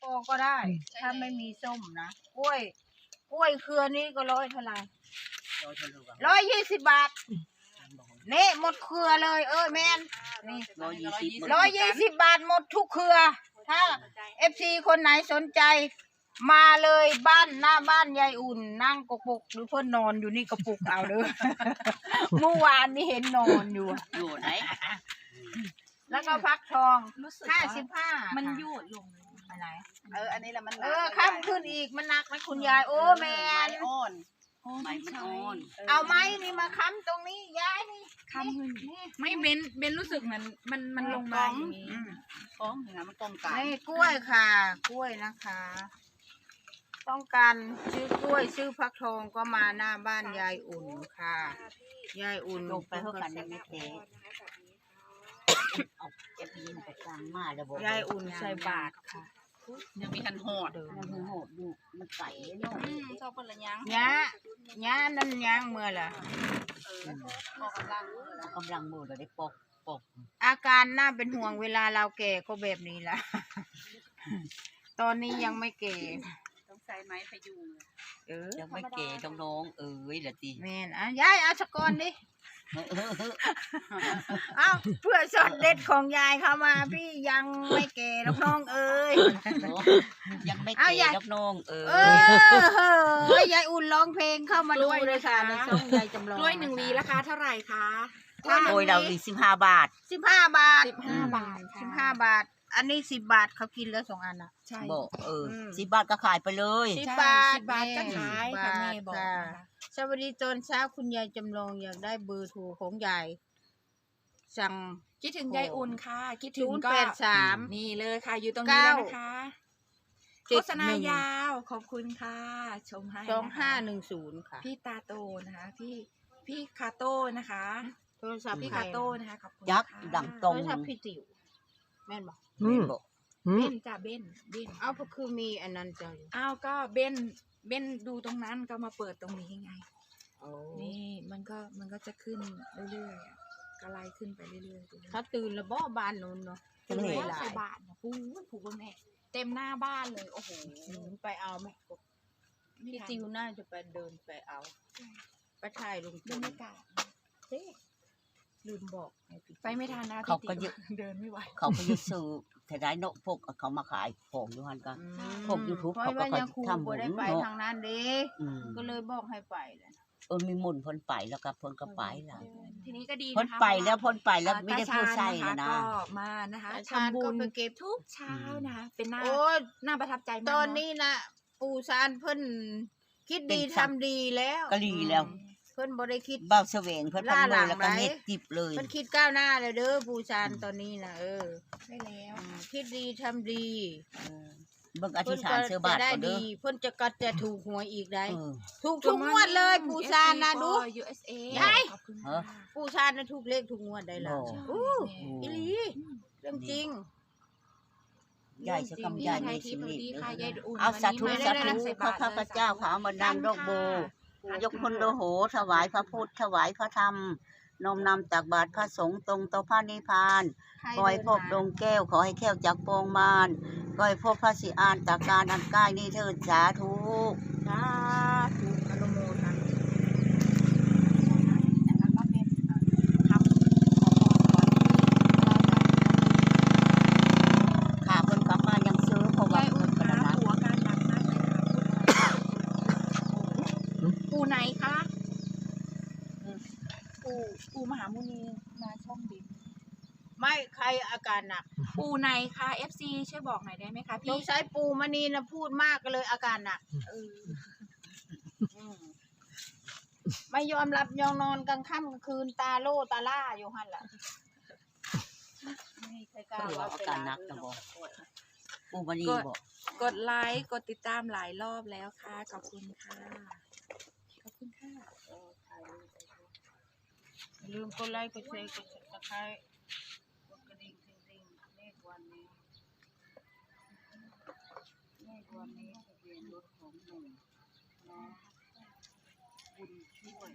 ปอกก็ได้ถ้าไม่มีส้มนะกล้วยเครือนี้ก็ร้อยเท่าไหร่120 บาทนี่หมดเครือเลยแมนนี่120 บาทหมดทุกเครือ ถ้า FC คนไหนสนใจมาเลยบ้านหน้าบ้านยายอุ่นนั่งกระปุกหรือเพื่อนนอนอยู่นี่กระปุกเอาเด้อ เมื่อวานนี่เห็นนอนอยู่ไหนแล้วก็ฟักทอง55 มันยูดลงอะไรอันนี้แหละมันข้ามขึ้นอีกมันหนักไหมคุณยายโอ้แมนอ่อนไม่มันอ่อนเอาไม้นี่มาค้ำตรงนี้ยายนี่ค้ำขึ้นไม่เบนรู้สึกเหมือนมันลงมาอย่างนี้ฟ้องอย่างนั้นมันกองกันนี่กล้วยค่ะกล้วยนะคะต้องการซื้อกล้วยซื้อฟักทองก็มาหน้าบ้านยายอุ่นค่ะยายอุ่นลงไปเท่ากันได้ไม่เทเอาเก็บยินไปกลางมาแล้วบอกยายอุ่นใส่บาตรค่ะยังมีทันหอดมันโหดอยู่มันใส่เนาะชอบคนละยังย่านั่นย่างเมื่อล่ะกำลังมือเราได้ปอกอาการน่าเป็นห่วงเวลาเราแก่ก็แบบนี้ล่ะตอนนี้ยังไม่แก่ต้องใส่ไม้พยุงยังไม่แก่น้องเหรอตีแม่นยายเอาสกอนดิเอาเพื่อสดเด็ดของยายเข้ามาพี่ยังไม่แก่น้องยังไม่แก่น้องยายอุ่นร้องเพลงเข้ามาดูเลยค่ะในช่องยายจำลองกล้วย1 หวีราคาเท่าไหร่คะโดยเรา15 บาท 15 บาท 15 บาทอันนี้10 บาทเขากินแล้ว2 อันอ่ะใช่บอก10 บาทก็ขายไปเลย 10 บาทก็ขายค่ะแม่บอกสวัสดีตอนเช้าคุณยายจำลองอยากได้เบอร์โทรของยายสั่งคิดถึงยายอุ่นค่ะคิดถึงก็ 083 นี่เลยค่ะอยู่ตรงนี้แล้วนะคะโฆษณายาวขอบคุณค่ะชมให้ 2510ค่ะพี่ตาโตนะคะพี่คาโต้นะคะโทรศัพท์พี่คาโต้นะคะขอบคุณยักษ์ดังตรงโทรศัพท์พี่ติ๋วแม่นบอกเบนจ้าเบนเอาก็คือมีอันนั้นจ้ะก็เบนดูตรงนั้นก็มาเปิดตรงนี้ไงนี่มันก็จะขึ้นเรื่อยๆก็ไล่ขึ้นไปเรื่อยๆถ้าตื่นแล้วบ้านนู้นเนาะจะเหนื่อยใส่บาทนะผูกแม่เต็มหน้าบ้านเลยโอ้โหไปเอาไหมพี่ติวน่าจะไปเดินไปเอาไปถ่ายลงบรรยากาศลืมบอกไปไม่ทันนะเขาก็เดินไม่ไหวเขาก็ยึดซื้อแต่ได้นกพวกเขามาขายของอยู่หันกันพวก YouTube เขาก็ทำบุญไปทางนั้นดิก็เลยบอกให้ไปเลยมีมุนพ้นไปแล้วก็พ้นก็ไปแล้วทีนี้ก็ดีพ้นไปแล้วไม่ได้พูดใช่นะก็มานะคะทำบุญไปเก็บทุกเช้านะคะเป็นหน้าประทับใจมากตอนนี้นะปู่ซานเพิ่นคิดดีทำดีแล้วก็ดีแล้วเพิ่นบ่ได้คิดเบ้าเสวงเพิ่นพันเลยแล้วก็เฮ็ดจิบเลยเพิ่นคิดก้าวหน้าเลยเด้อปู่ซานตอนนี้นะใช่แล้วคิดดีทำดีเบิ่งอธิษฐานเสื้อบาทก็เด้อเพิ่นจะถูกหวยอีกได้ถูกทุกงวดเลยปู่ซานนะดู USA ยายปู่ซานน่ะถูกเลขทุกงวดได้แล้วอีหลีเรื่องจริงยายจะกำยายในชีวิตเอาสาธุข้าพเจ้าขอมาดังดอกโบยกคนโดโหถวายพระพุทธถวายพระธรรมน้อมนำตักบาตรพระสงฆ์ตรงต่อพระนิพพานขอให้พบดวงแก้วขอให้แก้วจากปวงมารขอให้พบพระสิอานตาการอันใกล้นี้เถิดสาธุอนุโมทนาขาเพิ่นกลับมายังซื้อเพราะว่าหัวการหนักมากเลยปูไหนคะปูมหามุนีมาช่องบินไม่ใครอาการหนักปูไหนคะ FC ช่วยบอกหน่อยได้ไหมคะพี่ต้องใช้ปูมณีนะพูดมากก็เลยอาการหนักไม่ยอมรับยอมนอนกลางค่ำกลางคืนตาโล่ตาล่าอยู่หั่นล่ะไม่ใช่กล้าว่าอาการหนักนะบอกปูมณีบอกกดไลค์กดติดตามหลายรอบแล้วค่ะขอบคุณค่ะลืมกดไลค์กดแชร์กด Subscribe กดกระดิ่งเลขวันนี้ทะเบียนรถของหนุ่มนะบุญช่วย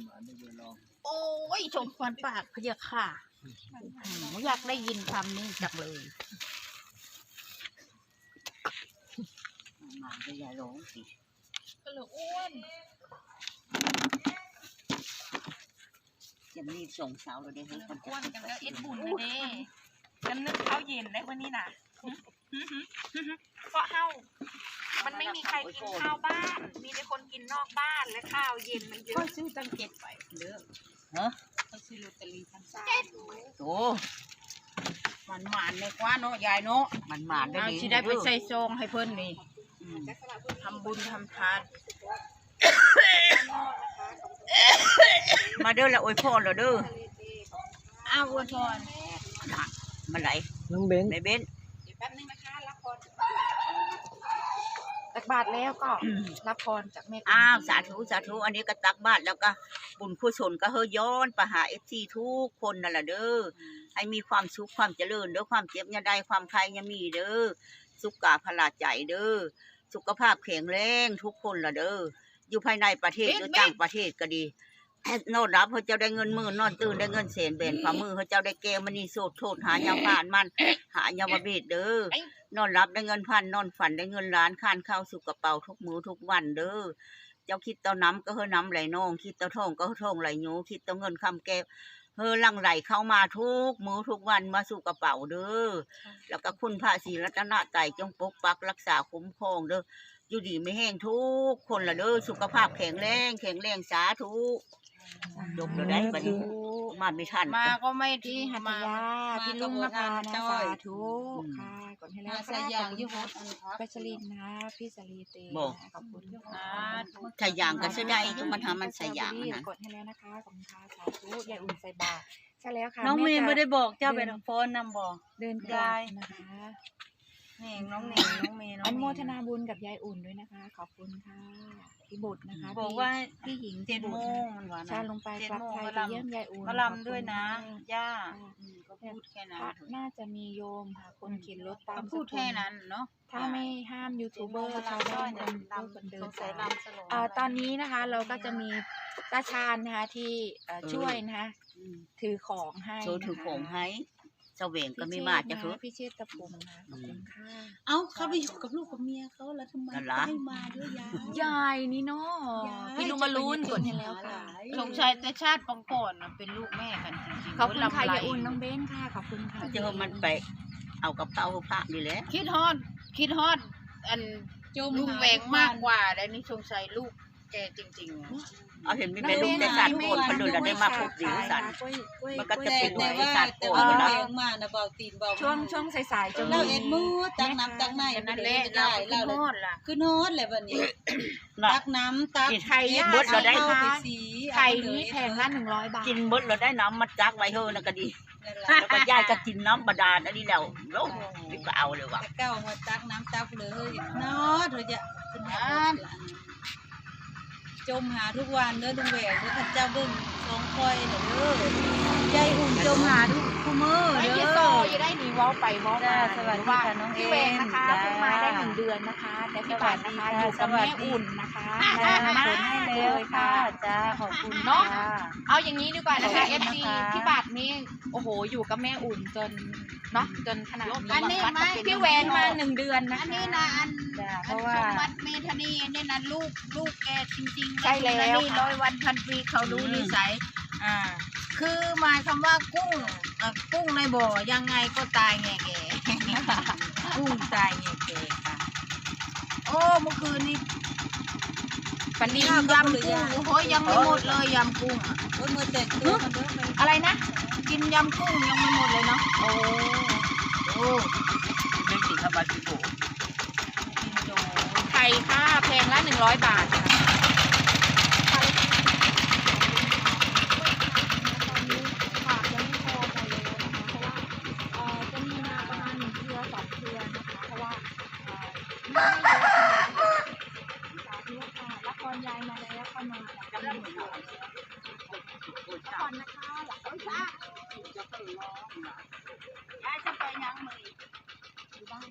โอ้ยชมควันปากพะยะค่ะอยากได้ยินคำนี้จักเลยมาไม่ยายร้องสิก็เลยอ้วนจะรีบส่งสาวเราได้ให้คนอ้วนกันแล้วเอ็ดบุญนะเด้น้ำนึกข้าวเย็นได้วันนี้น่ะเพราะเฮามันไม่มีใครกินข้าวบ้าน มีแต่คนกินนอกบ้านและข้าวเย็นมันเยก็อะซื้อตั้งเก็บไปเด้อฮะก็ซื้อลอตเตอรี่พันสามโอ้มันหมานในกว่าเนาะยายเนาะมันหมานได้เอาดีสิได้ไปใส่ซองให้เพิ่นนี่อืมทำบุญทำทานมาเด้อละอวยพรเราเด้ออ้าวอวยพรมาไหลน้องเบนในเบนเดี๋ยวแป๊บนึงนะคะรับพรตักบาทแล้วก็รับพรจากแม่อ้าวสาธุสาธุอันนี้ก็ตักบาตรแล้วก็บุญกุศลก็เฮยย้อนไปหาFCทุกคนนั่นแหละเด้อให้มีความสุขความเจริญเด้อความเจ็บอย่าได้ความใครอย่ามีเด้อสุขกาพลาใจเด้อสุขภาพแข็งแรงทุกคนล่ะเด้ออยู่ภายในประเทศหรือต่างประเทศก็ดี นอนรับเขาเจ้าได้เงินหมื่นนอนตื่นได้เงินแสนแบนฝ่ามือเขาเจ้าได้แก้วมณีโสดโทษหายาผ่านมันหายาบเบ็ดเด้อนอนรับได้เงินพันนอนฝันได้เงินล้านคานเข้าสู่กระเป๋าทุกมื้อทุกวันเด้อเจ้าคิดเต้าน้ำก็เฮอน้ำไหลนองคิดเต้าทองก็เฮอทองไหลโยคิดเต้าเงินคำแก้วเฮอลังไหลเข้ามาทุกมื้อทุกวันมาสู่กระเป๋าเด้อแล้วก็คุณพระศรีรัตนตรัยจงปกปักรักษาคุ้มครองเด้ออยู่ดีไม่แห้งทุกคนละเด้อสุขภาพแข็งแรงสาธุยกเราได้บัดนี้มาไม่ทันมาก็ไม่พี่ที่หัตมายาพี่ลุงนภานะสาธุค่ะก่อนให้แล้วใส่ยางอยู่หมดปัชรินนะพี่สลีเตขอบคุณค่ะใส่ยางก็ใช้ได้อยุ่มันทำมันใส่ยางนะกดให้แล้วนะคะขอบคุณค่ะสาธุยายอุ่นใส่บาตรใช่แล้วค่ะน้องเมย์ไม่ได้จะบอกเจ้าเป็นโฟนนำบอกเดินกลับนะคะนี่น้องเน่งน้องเมย์น้องอนุโมเมย์ทนาบุญกับยายอุ่นด้วยนะคะ ขอบคุณค่ะพี่บุตรนะคะบอกว่าพี่หญิง 7 โมบุตรงมันว่านะชาลงไปกลับไทยไปเยี่ยมยายอุ่นมาลำด้วยนะขอบคุณย่าค่ะก็พูดแค่นั้นพระน่าจะมีโยมค่ะคนเข็นรถตามก็พูดแค่นั้นเนาะถ้าไม่ห้ามยูทูบเบอร์ชาวบ้านคนเดิสนงสัสาย ยลำสลงตอนนี้นะคะเราก็จะมีตาชาญนะคะที่ช่วยนะคะถือของให้โชว์ถือของนะคะให้เสวงก็ไม่มาจะคือพี่เชษฐ์ตะพุมนะขอบคุณค่ะเอ้าเขาไปอยู่กับลูกกับเมียเขาแล้วทำไมนั่นล่ะไม่มาด้วยยายยายนี่เนาะยายพี่ลุงมารุนกดให้แล้วค่ะสงสัยแต่ชาติปองก่อนน่ะเป็นลูกแม่กันจริงๆขอบคุณค่ะลำไรยายอุ่นน้องเบ้นค่ะขอบคุณค่ะเจอมันไปเอากับเป้าพระนี่แหละคิดฮอดอันจมลุงหาแหวงมากกว่าแล้วนี่สงสัยลูกแกจริงๆอะเอาเห็นมีเป็นลูกแต่สัตว์โกนคนดูแล้วได้มาพบดีสัตว์ มันก็จะแต่เป็นแต่ไว้ว่าสัตว์แต่โกว่านแล้วแวงมานะเบาตีนเบาช่วงสายๆจะเราเอ็ดมือตักน้ำตักในแต่นั่นแหละได้เราเราคิดฮอดล่ะคือโนดเลยวันนี้น่ะตักน้ำตักไข่ย่างเบิดเราได้เอาไปสีไข่นี้แพงละ100 บาทกินเบิดเราได้น้ำมาจักไว้เฮอนะก็ดีนั่นแล้วก็ยายก็กินน้ำบาดาลอันนี้แล้วโลกนี่ก็เอาเลยว่ะแต่เก้ามาตักน้ำตักเลยโนดเราจะขึ้นมาจมหาทุกวันเด้อลุงแหวงเด้อท่านเจ้าเบิ่งสองคอยเด้อใจอุ่นจมหาทุกมื้อไอ้เด้ที่อโซอยู่ได้หนีเว้าไปเว้ามาจ้าสวัสดีค่ะน้องเอ็นพี่เวนนะคะจ้าเพิ่งมาได้1 เดือนนะคะแต่พี่ปัดนะคะอยู่กับแม่อุ่นนะคะจ้ามาขนให้แล้วค่ะจ้าขอบคุณเนาะจ้เอาอย่างนี้ดีกว่านะคะขอบคุณ FC นะคะพี่บัตรนี่โอ้โหอยู่กับแม่อุ่นจนเนาะจนขนาดอันนี้วัดไม่พี่แหวนมา1 เดือนนะอันคะนี้นะอันจ้าเพอันราะว่าสมบัติเมธานีเนี่ยนะลูกแกจริงๆใช่แล้วนี่ค่ะ 100 วันพันปีเขารู้นิสัยคือหมายคำว่ากุ้งในบ่อยังไงก็ตายแง่แก่ กุ้งตายแง่แก่ค่ะโอ้เมื่อคืนนี้ปันนี้ยำกุ้งโอ้ยยังไม่หมดเลยยำกุ้งอะโอ้ยมือแตกตัวมันเด้อมันอะไรนะกินยำกุ้งยังไม่หมดเลยเนาะโอ้โอ้เป็นสิ่งธรรมดาที่โบกินโจไข่ค่ะแพงละ100 บาทค่ะจะมีมาประมาณ1 เครือ 2 เครือนะคะเพราะว่าไม่เยอะสาธุค่ะละครยายมาแล้วค่ะมาจากกำลังละครนะคะหลักต้องซ่ายายจะไปยังมืออยู่บ้าน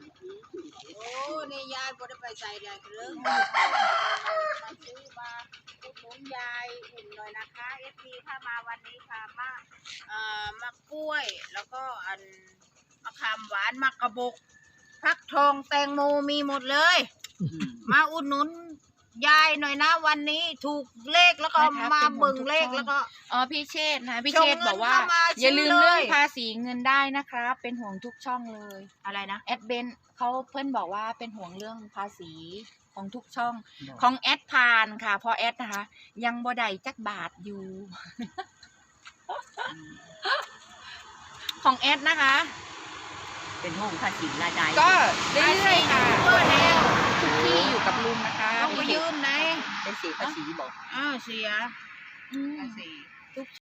โอ้นี่ยายบ่ได้ไปใส่ได้เรื่องมาซื้อมาอยนะคะเอฟพีถ้ามาวันนี้ค่ะมะกล้วย แล้วก็มะขามหวานมะกระบอกฟักทองแตงโมมีหมดเลย มาอุดหนุนยายหน่อยนะวันนี้ถูกเลขแล้วก็มาเบิ่งเลขแล้วก็พี่เชษฐ์นะพี่เชษฐ์บอกว่าส่งเงินเข้ามาอย่าลืมซื้อเลยเรื่องภาษีเงินได้นะครับเป็นห่วงทุกช่องเลยอะไรนะแอดเบนเขาเพื่อนบอกว่าเป็นห่วงเรื่องภาษีของทุกช่องของแอดพานค่ะเพราะแอดนะคะยังบ่ได้จักบาทอยู่ ของแอดนะคะเป็นห้องภาษีรายได้ก็เรื่อยๆค่ะเพื่อแล้วทุกที่อยู่กับลุงนะคะต้องไปยืมไหนเป็นเสียภาษีบอกเสียอืมภาษี